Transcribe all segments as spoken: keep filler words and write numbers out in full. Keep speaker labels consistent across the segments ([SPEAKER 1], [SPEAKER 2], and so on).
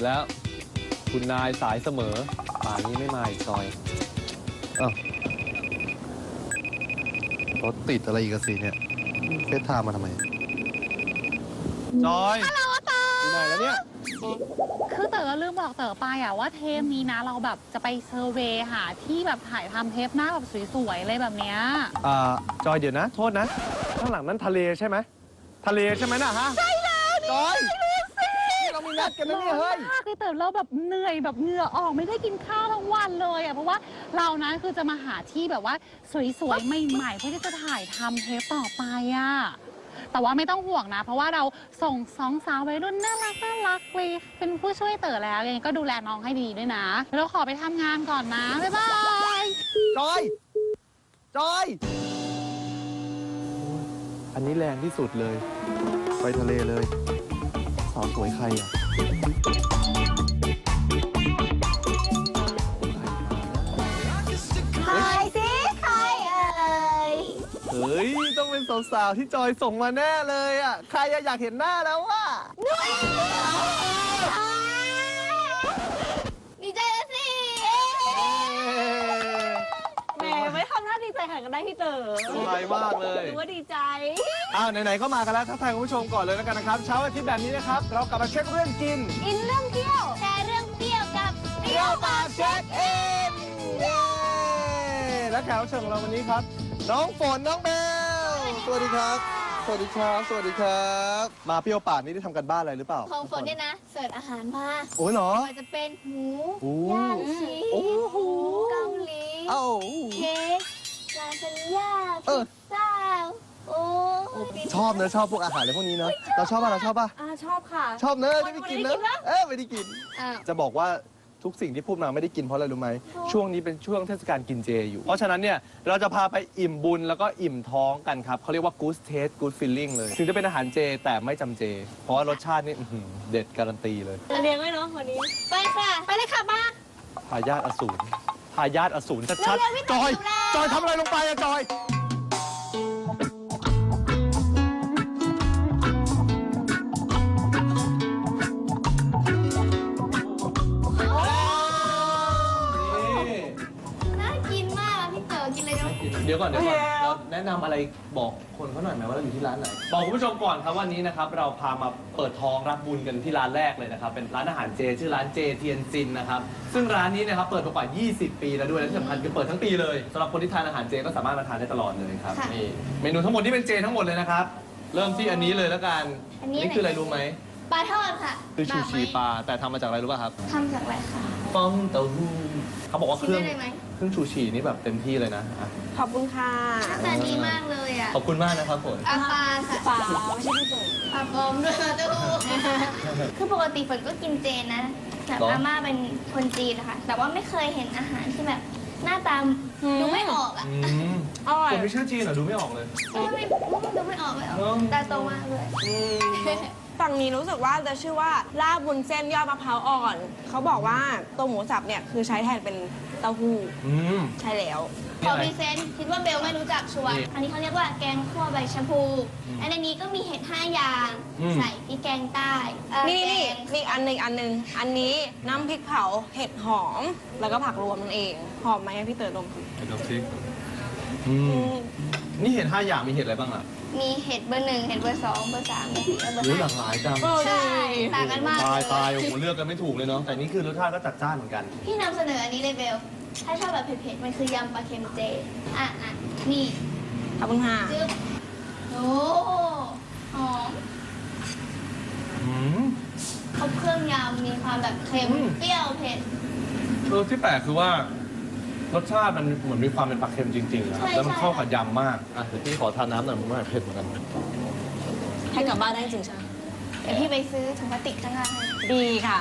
[SPEAKER 1] แล้วคุณนายสายเสมอป่านนี้ไม่มาอีกจอยอ้าวรถติดอะไรอีกสิเนี่ยเฟซไทม์มาทำไมจอยฮัลโหลเต๋ออยู่ไหนแล้วเนี่ย
[SPEAKER 2] คือเต๋อลืมบอกเต๋อไปอะว่าเทปนี้นะเราแบบจะไปเซอร์เวย์หาที่แบบถ่ายทำเทปหน้าแบบสวยๆอะไรแบบเนี้ย
[SPEAKER 1] อ่าจอยเดี๋ยวนะโทษนะข้างหลังนั้นทะเลใช่ไหมทะเลใช่ไหมน่ะฮะใช่แล้วจอยเรามีนัดกันนะเนี่ยเฮ้ย
[SPEAKER 2] คือเต๋อเราแบบเหนื่อยแบบเหงื่อออกไม่ได้กินข้าวทั้งวันเลยอะเพราะว่าเรานะคือจะมาหาที่แบบว่าสวยๆใหม่ๆเพื่อที่จะถ่ายทำเทปต่อไปอะแต่ว่าไม่ต้องห่วงนะเพราะว่าเราส่งสองสาววัยรุ่นน่ารักน่ารักเลยเป็นผู้ช่วยเต๋อแล้วยังไงก็ดูแลน้องให้ดีด้วยนะเราขอไปทำงานก่อนนะบ๊ายบาย
[SPEAKER 1] จอยจอยอันนี้แรงที่สุดเลยไปทะเลเลยสาวสวยใครอ่ะ
[SPEAKER 3] ใครสิใครเอ่ย
[SPEAKER 1] เฮ้ยต้องเป็นสาวๆที่จอยส่งมาแน่เลยอ่ะใครอยากเห็นหน้าแล้วว่ะ
[SPEAKER 3] ดีใจแล้วสิแหมไม่ทำหน้าดีใจขนาดกันได้พี่เต๋อ
[SPEAKER 1] ดีใจมากเลย
[SPEAKER 3] รู้ว่าดีใจ
[SPEAKER 1] อ้าวไหนๆก็มากันแล้วทักทายคุณผู้ชมก่อนเลยแล้วกันนะครับเช้าอาทิตย์แบบนี้นะครับเรากลับมาเช็คเรื่องกิน
[SPEAKER 3] อินเรื่องเที่ยวแชร์เรื่องเที่ยวกับเที่ยวปากเช็คอิน
[SPEAKER 1] และแขกรับเชิญของเราวันนี้ครับน้องฝนน้องเบลสวัสดีครับสวัสดีครับสวัสดีครับมาเปรี้ยวปากนี่ได้ทำกันบ้านอะไรหรือเปล่า
[SPEAKER 3] ของฝนเนี่ยนะเสิร์ฟอาหารมา
[SPEAKER 1] โอ้ยเหรอ
[SPEAKER 3] จะเป็นหมูย่างชีสเกาหลีเค้กลาซานญ่าพิซซ่าโอ้
[SPEAKER 1] ชอบเนอะชอบพวกอาหารอะไรพวกนี้เนอะเราชอบป่ะเราชอบป่ะ
[SPEAKER 3] อ่าชอบค่ะ
[SPEAKER 1] ชอบเนอะได้ไปกินเนอะเออไม่ได้กินจะบอกว่าทุกสิ่งที่พูดมาไม่ได้กินเพราะอะไรรู้ไหมช่วงนี้เป็นช่วงเทศกาลกินเจอยู่เพราะฉะนั้นเนี่ยเราจะพาไปอิ่มบุญแล้วก็อิ่มท้องกันครับเขาเรียกว่า good taste good feeling เลยถึงจะเป็นอาหารเจแต่ไม่จำเจเพราะว่ารสชาตินี่เด็ดการันตีเลย
[SPEAKER 3] เลี้ยงไว้เนาะวันนี้ไปค่ะไปเลยค่ะมา
[SPEAKER 1] ทายาทอสูรทายาทอสูรชัดๆจอยจอยทำอะไรลงไปอะจอยเดี๋ยวก่อนเดี๋ยวก่อนเราแนะนำอะไรบอกคนเขาหน่อยไหมว่าเราอยู่ที่ร้านไหนบอกคุณผู้ชมก่อนครับวันนี้นะครับเราพามาเปิดท้องรับบุญกันที่ร้านแรกเลยนะครับเป็นร้านอาหารเจชื่อร้านเจเทียนซินนะครับซึ่งร้านนี้นะครับเปิดมากว่ายี่สิบปีแล้วด้วยและที่สำคัญคือเปิดทั้งปีเลยสำหรับคนที่ทานอาหารเจก็สามารถมาทานได้ตลอดเลยครับนี่เมนูทั้งหมดที่เป็นเจทั้งหมดเลยนะครับเริ่มที่อันนี้เลยแล้วกันนี่คืออะไรรู้ไหม
[SPEAKER 3] ปลาทอดค่ะ
[SPEAKER 1] คือชูชีปลาแต่ทำมาจากอะไรรู้ป่ะครับ
[SPEAKER 3] ทำจากอะไรคะ
[SPEAKER 1] ฟองเต้าหู้เขาบอกว่าเครื่องเครื่องชูชีนี่แบบเต็มที่เลยนะ
[SPEAKER 3] ขอบคุณค่ะหน้าตาดีมากเลยอ่ะ
[SPEAKER 1] ขอบคุณมากนะครับฝน
[SPEAKER 3] ปลาปลาค่ะปลาไม่ใช่พี่ฝนปลาปลอมด้วยเต้าหู้คือปกติฝนก็กินเจนะแต่อาม่าเป็นคนจีนนะคะแต่ว่าไม่เคยเห็นอาหารที่แบบหน้าตาดูไม่ออกอ่ะ
[SPEAKER 1] อร่อยคนไม่ชื่อจีนเหรอดูไม่ออกเลย
[SPEAKER 3] ไม่ดูไม่ออกไม่ออกตาโตมากเลย
[SPEAKER 4] ฝั่งนี้รู้สึกว่าจะชื่อว่าลาบวุ้นเส้นยอดมะพร้าวอ่อนเขาบอกว่าตัวหมูสับเนี่ยคือใช้แทนเป็นเต้าหู้ใช่แล้ว
[SPEAKER 3] ขอพรีเซนต์คิดว่าเบลไม่รู้จักชัวร์อันนี้เขาเรียกว่าแกงคั่วใบชะพูอันนี้ก็มีเห็ดห้าอย่างใส่พริกแกงใต้
[SPEAKER 4] นี่นี่มีอันหนึ่งอันหนึ่งอันนี้น้ำพริกเผาเห็ดหอมแล้วก็ผักรวมนั่นเองหอมไหมพี่เต๋อดม
[SPEAKER 1] เห็ดน้ำพริกนี่เห็ดห้าอย่างมีเห็ดอะไรบ้างอ่ะ
[SPEAKER 3] มีเห็ดเบอร์หนึ่งเห็ดเบอร์สองเบอร์สามเบอร์สี่เบอร์ห้า
[SPEAKER 1] หลากหลายจัง
[SPEAKER 3] ใช่ต่างกันมาก
[SPEAKER 1] ตายตายโอ้โหเลือกกันไม่ถูกเลยเนาะแต่นี่คือรสชาติก็จัดจ้านเหมือนกัน
[SPEAKER 3] พี่นำเสนออันนี้เลยเบลถ้าชอบแบบเผ็ดๆมันคือยำปลาเค็มเจอ่ะอ่ะนี่
[SPEAKER 4] ขอบคุณค่ะ
[SPEAKER 3] โอ้หอมครบเครื่องยำมีความแบบเค็มเปรี้ยวเผ็ด
[SPEAKER 1] เออที่แปลกคือว่ารสชาติมันเหมือนมีความเป็นปลาเค็มจริงๆนะครับแล้วมันเข้ากับยำมากอ่ะเดี๋ยวพี่ขอทานน้ำหน่อยมันไม่เผ็ดเหมือนกัน
[SPEAKER 4] ให้กลับบ้านได้จริงใช่
[SPEAKER 3] เดี๋ยวพี่ไปซื้อถุงพลาสติกข้างล่าง
[SPEAKER 4] ดีค่ะ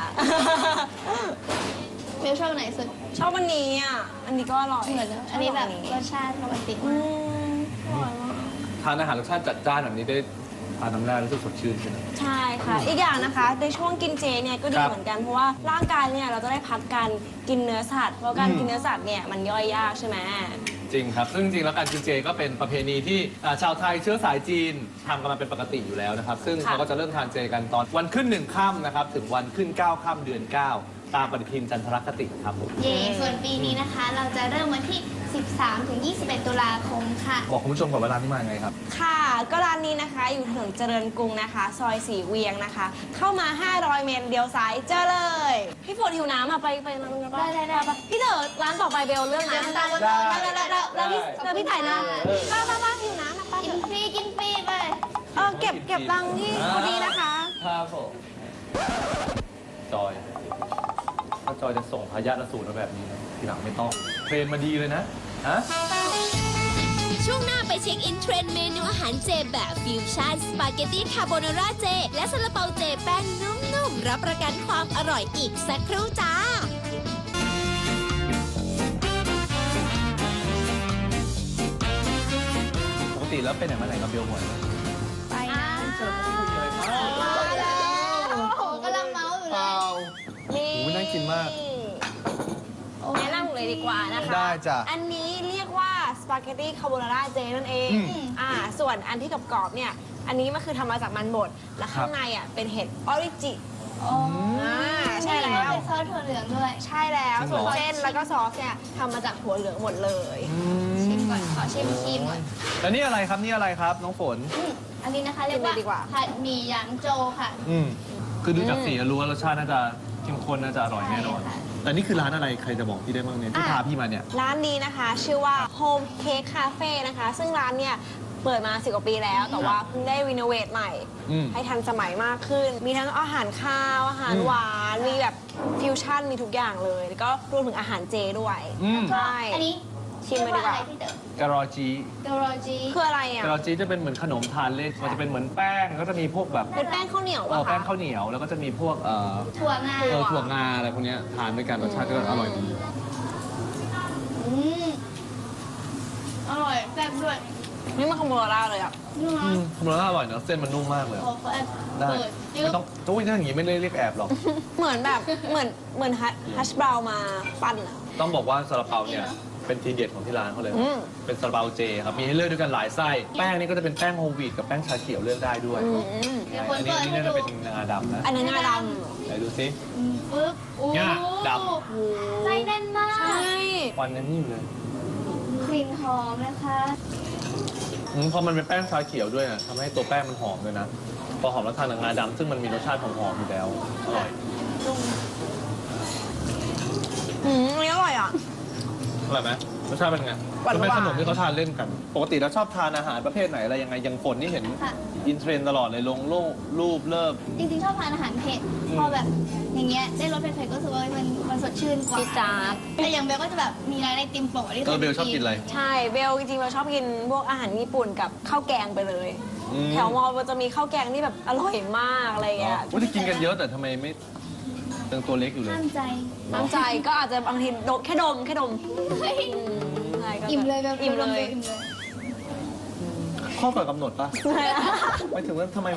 [SPEAKER 3] เบลชอบไหนสุด
[SPEAKER 4] ชอบอันนี้อ่ะอันนี้ก็อร่อย
[SPEAKER 3] เหมือนอันนี้แบบรสชาติปกติมาก
[SPEAKER 1] ทานอาหารรสชาติจัดจ้านแบบนี้ได้อานน้ำแร่รู้สึกสดชื่นใช่ไหม
[SPEAKER 4] ใช่ค่ะ อีกอย่างนะคะในช่วงกินเจเนี่ยก็ดี
[SPEAKER 1] ครับ
[SPEAKER 4] เหมือนกันเพราะว่าร่างกายเนี่ยเราจะได้พักการกินเนื้อสัตว์เพราะการ
[SPEAKER 1] อืม
[SPEAKER 4] กินเนื้อสัตว์เนี่ยมันย่อยยากใช่ไหม
[SPEAKER 1] จริงครับซึ่งจริงๆแล้วการกินเจก็เป็นประเพณีที่อ่าชาวไทยเชื้อสายจีนทำกันมาเป็นปกติอยู่แล้วนะครับ ซึ่ง
[SPEAKER 4] ค่ะ
[SPEAKER 1] เขาก็จะเริ่มทานเจกันตอนวันขึ้นหนึ่งค่ำนะครับถึงวันขึ้นเก้าค่ำเดือนเก้าตามปฏิทินจันทรคติครับผม
[SPEAKER 3] เย่ส่วนปีนี้นะคะ เราจะเริ่มวันที่ สิบสามถึงยี่สิบเอ็ด ตุลาคมค่ะ
[SPEAKER 1] บอกคุณผู้ชมก่อนว่าร้านนี้มาไงครับ
[SPEAKER 4] ค่ะก็ร้านนี้นะคะอยู่ถนนเจริญกรุงนะคะ ซอยสีเวียงนะคะ เข้ามา ห้าร้อย เมตรเลี้ยวซ้ายเจอเลย พี่ฝนหิวน้ำอ่ะไปไปร้านกันปะ
[SPEAKER 3] ได้ได้ได้
[SPEAKER 4] ปะพี่เต๋อร้านต่อไปเบลเรื่องนะ
[SPEAKER 3] ได้
[SPEAKER 4] แล้วแล้วแล้วแล้วพี่แล้วพี่ถ่ายนะป้าป้าป้าหิวน้ำนะป้า
[SPEAKER 3] กินฟรีกินฟรีไป
[SPEAKER 4] เออเก็บเก็บตังค์ที่คนนี้นะคะ
[SPEAKER 1] ครับผมจอย ถ้าจอยจะส่งพยาธิสูตรมาแบบนี้นะทีหลังไม่ต้องเทรนมาดีเลยนะ ฮะ
[SPEAKER 5] ช่วงหน้าไปเช็คอินเทรนด์เมนูอาหารเจแบบฟิวชั่นสปาเกตตี้คาโบนาร่าเจ และซาลาเปาเจแป้งนุ่มๆ รับประกันความอร่อยอีกสักครู่จ้า
[SPEAKER 1] ปกติแล้วเป็นไหนมาไหนกับเบลหมดเลย
[SPEAKER 2] ไปนะ
[SPEAKER 3] โอ้โหกำลังเมาส์อยู่เลย
[SPEAKER 4] นี่
[SPEAKER 1] โอ้ยน่ากินมาก
[SPEAKER 4] แนะนำเลยดีกว่านะคะ
[SPEAKER 1] ได้จ้ะ
[SPEAKER 4] อันนี้เรียกว่าสปาเกตตี้คาโบนาร่าเจนั่นเอง
[SPEAKER 1] อืม
[SPEAKER 4] อ่าส่วนอันที่กรอบๆเนี่ยอันนี้มันคือทำมาจากมันบดและข้างในอ่ะเป็นเห็ดออริจิ
[SPEAKER 3] โอ้
[SPEAKER 4] อ่าใช่แล้ว
[SPEAKER 3] เป็นซอสถั่วเหลืองด้วย
[SPEAKER 4] ใช่แล้ว
[SPEAKER 1] จริงเหร
[SPEAKER 4] ส่
[SPEAKER 1] อ
[SPEAKER 4] วนเส้นแล้วก็ซอสเนี่ยทำมาจากถั่วเหลืองหมดเลย
[SPEAKER 3] ชิมก่อน ขอชิมชิมก่อน
[SPEAKER 1] แล้วนี่อะไรครับ นี่อะไรครับ น้องฝน
[SPEAKER 3] อืมอันนี้นะคะเรียกว่าผัดหมี่หยางโจวค่ะ
[SPEAKER 1] อืมคือดูจากสีก็รู้ว่ารสชาติน่าจะเข้มข้นน่าจะอร่อยแน่นอน
[SPEAKER 3] ใช่ค่ะ
[SPEAKER 1] แต่นี่คือร้านอะไรใครจะบอกพี่ได้บ้างเนี่ยที่
[SPEAKER 4] อ่ะ
[SPEAKER 1] พาพี่มาเนี่ย
[SPEAKER 4] ร้านนี้นะคะ ชื่อว่า Home Cake Cafe นะคะ ซึ่งร้านเนี่ยเปิดมาสิบกว่าปีแล้ว แต่ว่าเพิ่งได้รีโนเวทใหม่
[SPEAKER 1] อืม
[SPEAKER 4] ให้ทันสมัยมากขึ้น มีทั้งอาหารข้าว อาหาร
[SPEAKER 1] อืม
[SPEAKER 4] หวาน มีแบบฟิวชั่น มีทุกอย่างเลย แล้วก็รวมถึงอาหารเจด้วย
[SPEAKER 1] อืม
[SPEAKER 4] ใช่
[SPEAKER 3] อันนี้
[SPEAKER 4] ชิมมาดีกว่า
[SPEAKER 3] เรียอะไรพี่เต๋อ
[SPEAKER 1] การอจี
[SPEAKER 3] เกโรจี
[SPEAKER 4] คืออะไรอ่ะ
[SPEAKER 1] การอจีจะเป็นเหมือนขนมทานเล่นมันจะเป็นเหมือนแป้งก็จะมีพวกแบบ
[SPEAKER 4] เป็นแป้งข้าวเหนียว
[SPEAKER 1] เออ
[SPEAKER 4] ป่ะ
[SPEAKER 1] แป้ง
[SPEAKER 4] คะ
[SPEAKER 1] ข้าวเหนียว แล้วก็จะมีพวกเอ่อ
[SPEAKER 3] ถั่วงา
[SPEAKER 1] เออถั่วงาอะไรพวกเนี้ยทานด้วยกันรสชาติก็อร่อยดี
[SPEAKER 3] อืมอร่อยแซ่บด้วย
[SPEAKER 4] นี่มันคาโบนาร่าเลยอ่ะ
[SPEAKER 3] นุ่ม
[SPEAKER 1] อื
[SPEAKER 3] นะ
[SPEAKER 1] มคำนวณอร่อยเนอะเส้นมันนุ่มมากเลย
[SPEAKER 3] โอ้เขาแอบ
[SPEAKER 1] ได้
[SPEAKER 3] เปิดยื
[SPEAKER 1] ไม่
[SPEAKER 3] ด
[SPEAKER 1] ต้องโอ้ยถ้าอย่างงี้ไม่ได้เรียกแอบหรอก
[SPEAKER 4] เหมือนแบบเหมือนเหมือนฮัชบราวมาปั้นอ่ะ
[SPEAKER 1] ต้องบอกว่าซาลาเปาเนี่ยเป็นทีเด็ดของที่ร้านเขาเลย
[SPEAKER 4] อืม
[SPEAKER 1] เป็นซาลาเปาเจครับ มีให้เลือกด้วยกันหลายไส้ แป้งนี่ก็จะเป็นแป้งโฮลวีตกับแป้งชาเขียวเลือกได้ด้วย
[SPEAKER 4] อืม
[SPEAKER 3] เดี๋ยวคน
[SPEAKER 1] อันนี้
[SPEAKER 3] เปิด
[SPEAKER 1] อัน
[SPEAKER 3] ให้
[SPEAKER 1] นี้
[SPEAKER 3] ดู
[SPEAKER 1] น่าจะเป็นงาดำนะ
[SPEAKER 4] อันนั้นงาด
[SPEAKER 1] ไหนดูซิ
[SPEAKER 3] อืมปึ๊บโอ้
[SPEAKER 1] เนี่ยด
[SPEAKER 4] ำ
[SPEAKER 3] ไส้แน่นมา
[SPEAKER 4] ใช่
[SPEAKER 3] ก
[SPEAKER 1] ควันยังนิ่มเลย
[SPEAKER 3] กลิ่นหอมนะคะ
[SPEAKER 1] อืมพอมันเป็นแป้งชาเขียวด้วยนะทำให้ตัวแป้งมันหอมด้วยนะ พอหอมแล้วทานกับงาดำซึ่งมันมีรสชาติหอมๆอยู่แล้ว อร่อย
[SPEAKER 4] อืมอันนี้อร่อยอ่ะ
[SPEAKER 1] อร่อยไหมรสชาติเป็นไง
[SPEAKER 4] หวานๆ
[SPEAKER 1] มันเป็นขนมที่เขาทานเล่นกัน ปกติแล้วชอบทานอาหารประเภทไหนอะไรยังไงอยังฝนนี่เห็น
[SPEAKER 3] ค่ะ
[SPEAKER 1] อินเทรนด์ตลอดเลยลงรูปรูปเลิฟ
[SPEAKER 3] จริงๆ ชอบทานอาหารเผ็ด
[SPEAKER 1] อืม
[SPEAKER 3] พอแบบอย่างเงี้ยได้รสเผ็ดๆก็รู้สึกว่ามันมันสดชื่นกว่า
[SPEAKER 4] จี๊ดจ๊าด
[SPEAKER 3] แต่อย่างเบลก็จะแบบมีร้านไอติมโปะที่
[SPEAKER 1] เออเบลชอบกินอะไร
[SPEAKER 4] ใช่เบลจริงๆเราชอบกินพวกอาหารญี่ปุ่นกับข้าวแกงไปเลย
[SPEAKER 1] อืม
[SPEAKER 4] แถวมอมันจะมีข้าวแกงที่แบบอร่อยมากอะไรอย่างเงี้ย
[SPEAKER 1] ว่าจะกินกันเยอะแต่ทำไมไม่ยังตัวเล็กอยู่เลย
[SPEAKER 3] ห้ามใจ
[SPEAKER 4] น้ำใจก็อาจจะบางทีดมแค่ดมแค่ดม
[SPEAKER 3] เฮ้ย
[SPEAKER 4] อืมใช่ก็แบบ
[SPEAKER 3] อิ่มเลยแบบ
[SPEAKER 4] อิ่มเลย
[SPEAKER 3] อิ่มเลย
[SPEAKER 1] ข้อก่อนกำหนดปะไม่ถึงว่าทำไมมัน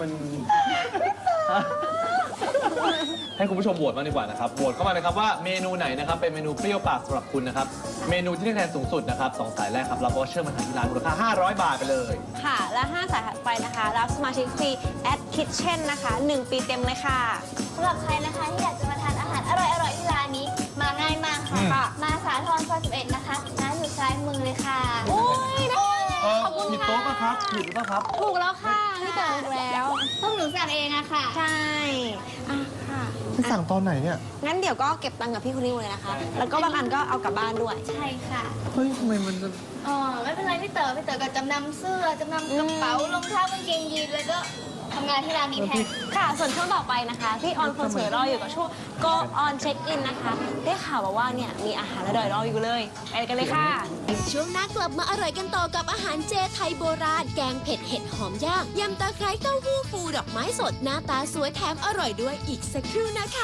[SPEAKER 1] ให้คุณผู้ชมโหวตมางดีกว่านะครับโหวตเข้ามาเลยครับว่าเมนูไหนนะครับเป็นเมนูเปรี้ยวปากสำหรับคุณนะครับ เมนูที่ได้คะแนนสูงสุดนะครับสองสายแรกครับรับวอเชอร์มาทานที่ร้านมูลค่าห้าร้อยบาทไปเลย
[SPEAKER 4] ค่ะ และห้าสายถัดไปนะคะ รับสมาชิกฟรี at kitchen นะคะหนึ่งปีเต็มเลยค่ะ
[SPEAKER 3] สำหรับใครนะคะที่อยากจะมาทานอาหารอร่อยๆที่ร้านนี้ มาง่ายมากค่ะ
[SPEAKER 1] อืม
[SPEAKER 3] มาสาทรซอยสิบเอ็ดนะคะร้านอยู่ซ้ายมือเลยค่ะ
[SPEAKER 4] โอ้ยได้
[SPEAKER 1] เออ
[SPEAKER 4] ขอบคุณ
[SPEAKER 1] ผิด
[SPEAKER 4] ค่ะ
[SPEAKER 1] โต๊ะปะครับผิดหรือเปล่าครับ
[SPEAKER 4] ถูกแล้วค่ะพี่เต๋อถูกแล้ว
[SPEAKER 3] ต้องหนูสั่งเองอะค่ะ
[SPEAKER 4] ใช่อ่ะค่ะ
[SPEAKER 1] สั่งตอนไหนเนี่ย
[SPEAKER 4] งั้นเดี๋ยวก็เก็บตังค์กับพี่คนนี้เลยนะคะ แล้วก็บางอันก็เอากลับบ้านด้วย
[SPEAKER 3] ใช่ค่ะ
[SPEAKER 1] เฮ้ยทำไมมันจะ
[SPEAKER 3] อ๋อไม่เป็นไรพี่เต๋อพี่เต๋อก็จำนำเสื้อจำนำกระเป๋ารองเท้ากางเกงยีนแล้วก็ทำงานที่ร้านนี้แทน
[SPEAKER 4] ค่ะ ส่วนช่วงต่อไปนะคะ พี่ออนคนสวยรออยู่กับช่วง go on check in นะคะ ได้ข่าวมาว่าเนี่ยมีอาหารอร่อยรออยู่เลย ไปกันเลยค่ะ
[SPEAKER 5] ช่วงหน้ากลับมาอร่อยกันต่อกับอาหารเจไทยโบราณ แกงเผ็ดเห็ดหอมย่างยำตะไคร้เต้าหู้ฟูดอกไม้สดหน้าตาสวยแถมอร่อยด้วยอีกสักครู่นะคะ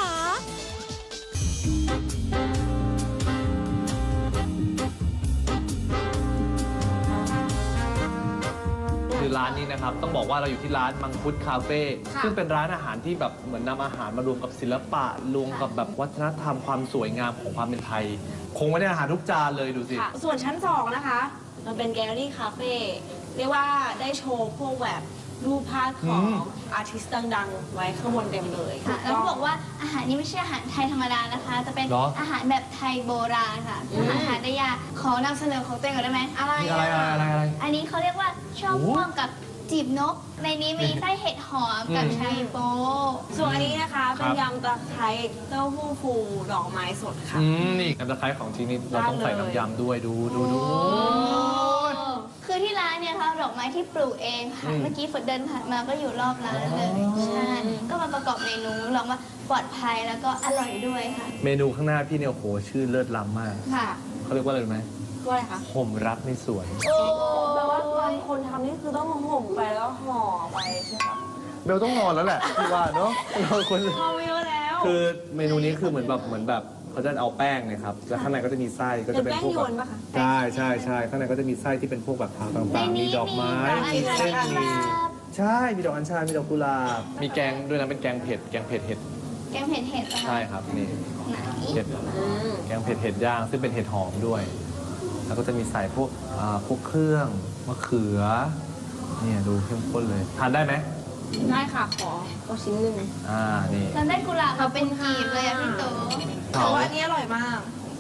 [SPEAKER 1] คือร้านนี้นะครับ ต้องบอกว่าเราอยู่ที่ร้านมังคุดคาเฟ่ซึ่งเป็นร้านอาหารที่แบบเหมือนนำอาหารมารวมกับศิลปะรวมกับแบบวัฒนธรรมความสวยงามของความเป็นไทย คงไว้ในอาหารทุกจานเลยดูสิ
[SPEAKER 4] ค่ะส่วนชั้นสองนะคะ มันเป็นแกลเลอรี่คาเฟ่เรียกว่าได้โชว์พวกแบบรูปภาพของ
[SPEAKER 1] อืม
[SPEAKER 4] อาร์ติสต์ดังๆ ไว้ข้างบนเต็มเลย
[SPEAKER 3] ค่ะแล้วเขาบอกว่าอาหารนี้ไม่ใช่อาหารไทยธรรมดานะคะ จะเป็น
[SPEAKER 1] เหรอ
[SPEAKER 3] อาหารแบบไทยโบราณค่ะอาหารหาได้ยากขอนำเสนอของตัวเองก่อนได้ไหมอะไร
[SPEAKER 1] นี่อะไรอะไรอะไรอะไร
[SPEAKER 3] อันนี้เขาเรียกว่าช่อม่วงกับจีบนก ในนี้มีไส้เห็ดหอมกับ
[SPEAKER 1] อืม
[SPEAKER 3] ไชโป
[SPEAKER 4] ส่วนอันนี้นะคะ เป็นยำตะไคร้เต้าหู้ฟูดอกไม้สดค่ะ
[SPEAKER 1] อืมนี่น้ำตะไคร้ของจริงนี่เราต้องใส่น้ำยำด้วยดูดูดู
[SPEAKER 3] คือที่ร้านเนี่ยค่ะดอกไม้ที่ปลูกเองค่ะ
[SPEAKER 1] อืม
[SPEAKER 3] เมื่อกี้ฝนเดินผ่านมาก็อยู่รอบร้านเลย
[SPEAKER 1] อ๋อ
[SPEAKER 3] ใช่ก็มาประกอบเมนูลองว่าปลอดภัยแล้วก็อร่อยด้วยค่ะ
[SPEAKER 1] เมนูข้างหน้าพี่เนี่ยโอ้โหชื่อเลิศล้ำมาก
[SPEAKER 3] ค่ะ
[SPEAKER 1] เขาเรียกว่าอะไรรู้ไหม
[SPEAKER 4] ก็อะไรคะ
[SPEAKER 1] ห่มรักในสวน
[SPEAKER 3] โอ้
[SPEAKER 4] แปลว่าบางคนทำนี่คือต้องห่มไปแล้วห่อไปใช่ไหมคะ
[SPEAKER 1] เบลต้องนอนแล้วแหละพี่ว่าเนาะเราคน
[SPEAKER 4] ห่อไปเยอะแล้ว
[SPEAKER 1] คือเมนูนี้คือเหมือนแบบเหมือนแบบเขาจะเอาแป้งเนะครับแล้วข้างในก็จะมีไส้ก็จะเป็นพวกแบบ
[SPEAKER 4] เป็นแป้งยวนปะคะ
[SPEAKER 1] ใช่ใช่ใช่ข้างในก็จะมีไส้ที่เป็นพวกแบบผัก
[SPEAKER 3] ใน
[SPEAKER 1] ต่างๆมี
[SPEAKER 3] นี้
[SPEAKER 1] ดอกไม้
[SPEAKER 3] มี
[SPEAKER 1] มี
[SPEAKER 3] ดอก
[SPEAKER 1] เส้น
[SPEAKER 3] อัญชัน
[SPEAKER 1] มีใช่มีดอกอัญชันมีดอกกุหลาบมีแกงด้วยนะเป็นแกงเผ็ดแกงเผ็ดเห็ด
[SPEAKER 3] แกงเผ็ดเห็ดเหรอคะ
[SPEAKER 1] ใช่ครับนี่
[SPEAKER 3] ไหน
[SPEAKER 1] เห็ด
[SPEAKER 4] อืม
[SPEAKER 1] แกงเผ็ดเห็ดย่างซึ่งเป็นเห็ดหอมด้วย แล้วก็จะมีใส่พวกอ่าพวกเครื่องมะเขือเนี่ยดูเข้มข้นเลยทานได้ไหม
[SPEAKER 4] ได้ค่ะ ขอก็ชิ้นหนึ่ง
[SPEAKER 1] อ่านี่
[SPEAKER 3] เราได้กุหลาบมาเป็นกีบเลยอะพี่โต
[SPEAKER 4] แต่ว่าอันนี้อร่อยมาก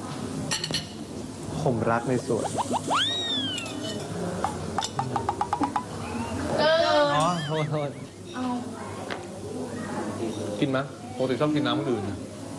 [SPEAKER 1] ห่มรักในสวน
[SPEAKER 3] เออ
[SPEAKER 1] อ๋อโทษโทษ
[SPEAKER 3] เอา
[SPEAKER 1] กินไหมปกติชอบกินน้ำมันอื่นนะ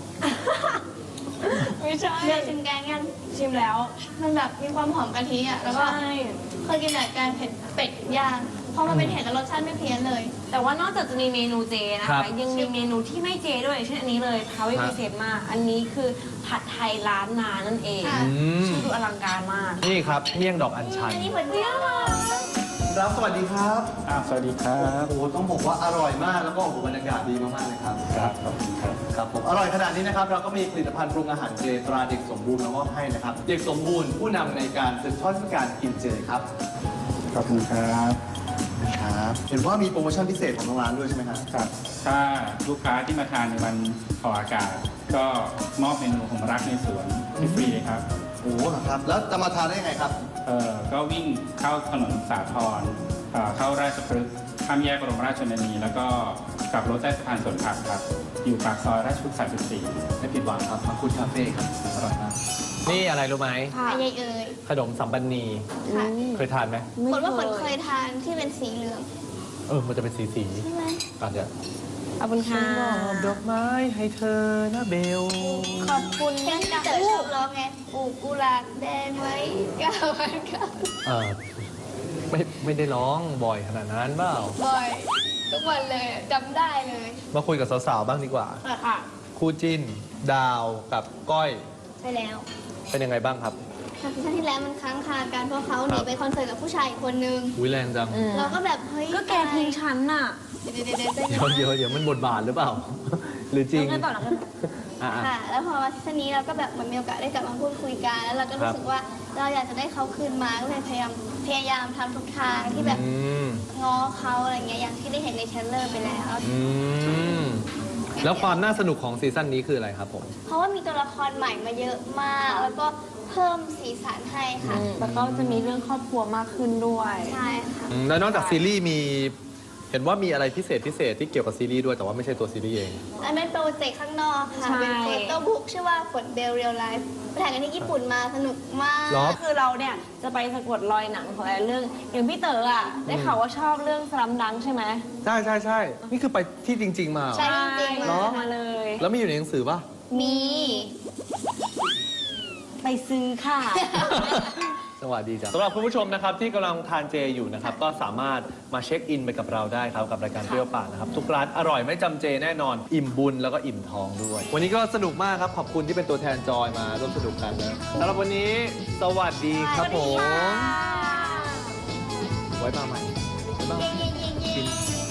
[SPEAKER 4] ไม่ใช่
[SPEAKER 3] เลือกชิมแกงกัน
[SPEAKER 4] ชิมแล้ว
[SPEAKER 3] มันแบบมีความหอมกะทิอ่ะ แล้วก็
[SPEAKER 4] ใช่
[SPEAKER 3] เคยกินแต่แกงเผ็ดเป็ดย่างพอมาเป็นเห็ดแล้วรสชาติไม่เพี้ยนเลย
[SPEAKER 4] แต่ว่านอกจากจะมีเมนูเจนะ
[SPEAKER 1] ครั
[SPEAKER 4] คะ
[SPEAKER 1] บ
[SPEAKER 4] ยังมีเมนูที่ไม่เจด้วยเช่นอันนี้เลยทาวิ
[SPEAKER 1] ฮะ
[SPEAKER 4] พิเศษมาก อันนี้คือผัดไทยร้านนานั่นเอง
[SPEAKER 3] ค่ะ
[SPEAKER 1] อืม
[SPEAKER 4] ชื่อดูอลังการมาก
[SPEAKER 1] นี่ครับเมี่ยงดอกอัญชัน
[SPEAKER 3] อันนี้เหมือนเดียวอะ
[SPEAKER 1] ครับสวัสดีครับ
[SPEAKER 6] อ่าสวัสดีครับ
[SPEAKER 1] โอ้โหต้องบอกว่าอร่อยมากแล้วก็โอ้โหบรรยากาศดีมากๆเลยครับ
[SPEAKER 6] ครับขอบคุณครับ
[SPEAKER 1] ครับผมอร่อยขนาดนี้นะครับเราก็มีผลิตภัณฑ์ปรุงอาหารเจตราเด็กสมบูรณ์มามอบให้นะครับเด็กสมบูรณ์ผู้นำในการสืบทอดเทศกาลกินเจครับ
[SPEAKER 6] ขอบคุณครับ
[SPEAKER 1] ครับเห็นว่ามีโปรโมชั่นพิเศษของทางร้านด้วยใช่ไหมครับ
[SPEAKER 6] ครับ ถ้าลูกค้าที่มาทานในวันออกอากาศ ก็มอบเมนูของรักในสวนฟรีๆครับ
[SPEAKER 1] โอ้โหครับแล้วจะมาทานได้ยังไงครับ
[SPEAKER 6] เอ่อก็วิ่งเข้าถนนสาทรเอ่อเข้าราชพฤกษ์ข้ามแยกบรมราชชนนีแล้วก็กลับรถใต้สะพานสวนผักครับ อยู่ปากซอยราชพฤกษ์สามสิบสี่
[SPEAKER 1] ไม่ผิดหวังครับมังคุดคาเฟ่ครับอร่อยมากนี่อะไรรู้ไหม
[SPEAKER 4] ค่ะ
[SPEAKER 3] อะไรเอ่ย
[SPEAKER 1] ขนมสัมปันนี
[SPEAKER 3] ค่ะ
[SPEAKER 1] เคยทานไหม
[SPEAKER 3] ผลว่าผลเคยทานที่เป็นสีเหลือง
[SPEAKER 1] เออมันจะเป็นสีสี
[SPEAKER 3] ใช่ไหม
[SPEAKER 1] ๆอาจจะ
[SPEAKER 4] ขอบคุณค่ะ
[SPEAKER 1] ดอกไม้ให้เธอนะเบล
[SPEAKER 3] ขอบคุณเพลงที่เต๋อชอบร้องไงปลูกกุหลาบแดงไว้เก้าวันเก้า
[SPEAKER 1] เออไม่ไม่ได้ร้องบ่อยขนาดนั้นเปล่า
[SPEAKER 3] บ่อยทุกวันเลยจำได้เลย
[SPEAKER 1] มาคุยกับสาวๆบ้างดีกว่า
[SPEAKER 4] ค่ะ
[SPEAKER 1] คู่จิ้น ดาวกับก้อย
[SPEAKER 3] ไปแล้ว
[SPEAKER 1] เป็นยังไงบ้างครับ
[SPEAKER 3] ค่ะซีซั่นที่แล้วมันค้างคากันเพราะเขาหนีไปคอนเสิร์ตกับผู้ชายอีกคนนึง
[SPEAKER 1] อุ้ยแรงจัง
[SPEAKER 4] อืม
[SPEAKER 3] เราก็แบบเฮ้ย
[SPEAKER 4] ก็แกทิ้งฉันน่ะ
[SPEAKER 3] เดี๋ยวเดี๋ยวเดี๋ยวเดี๋ยว
[SPEAKER 1] เดี๋ยวเดี๋ยวเดี๋ยวมันบทบาทหรือเปล่า หรือจริง
[SPEAKER 4] แล้วไงต่อแล้วไงต่อ
[SPEAKER 1] อ่ะอ่ะ
[SPEAKER 3] ค่ะ แล้วพอมาซีซั่นนี้เราก็แบบเหมือนมีโอกาสได้กลับมาพูดคุยกันแล้วเราก็รู้สึกว่าเราอยากจะได้เขาคืนมาก็เลยพยายามพยายามทำทุกทางที่แบบ
[SPEAKER 1] อืม
[SPEAKER 3] ง้อเขาอะไรเงี้ยอย่างที่ได้เห็นในเทรลเลอร์ไปแล้ว
[SPEAKER 1] อืมแล้วความน่าสนุกของซีซั่นนี้คืออะไรครับผม
[SPEAKER 3] เพราะว่ามีตัวละครใหม่มาเยอะมาก แล้วก็เพิ่มสีสันให้ค่ะ
[SPEAKER 4] แล้วก็จะมีเรื่องครอบครัวมากขึ้นด้วย
[SPEAKER 3] ใช่ค่ะ
[SPEAKER 1] อืมแล้วนอกจากซีรีส์มี เห็นว่ามีอะไรพิเศษพิเศษที่เกี่ยวกับซีรีส์ด้วยแต่ว่าไม่ใช่ตัวซีรีส์เอง
[SPEAKER 3] อันเป็นโปรเจกต์ข้างนอกค่ะ
[SPEAKER 4] ใช่
[SPEAKER 3] เป็นโฟโต้บุ๊กชื่อว่าฝนเบลเรียลไลฟ์ไปถ่ายกันที่ญี่ปุ่นมาสนุกมาก
[SPEAKER 1] เหรอ
[SPEAKER 4] คือเราเนี่ยจะไปสะกดรอยหนังของแต่ละเรื่อง อย่างพี่เต๋ออ่ะ ได้ข่าวว่าชอบเรื่องสลัมดังใช่ไหม
[SPEAKER 1] ใช่ใช่ใช่นี่คือไปที่จริง ๆ มาเหรอ
[SPEAKER 3] ใช่จริงๆ
[SPEAKER 1] เหรอ
[SPEAKER 4] มาเลย
[SPEAKER 1] แล้วมีอยู่ในหนังสือป่ะ
[SPEAKER 3] มี
[SPEAKER 4] ไปซื้อค่ะ
[SPEAKER 1] สวัสดีจ้ะสำหรับคุณผู้ชมนะครับที่กำลังทานเจอยู่นะครับก็สามารถมาเช็คอินไปกับเราได้ครับกับรายการเปรี้ยวปากนะครับทุกร้านอร่อยไม่จำเจแน่นอนอิ่มบุญแล้วก็อิ่มท้องด้วย วันนี้ก็สนุกมากครับขอบคุณที่เป็นตัวแทนจอยมาร่วมสนุกกันนะสำหรับวันนี้สวัสดีครับผมไว้มาใหม่บ๊ายบาย
[SPEAKER 3] เย้เย้เย้เย้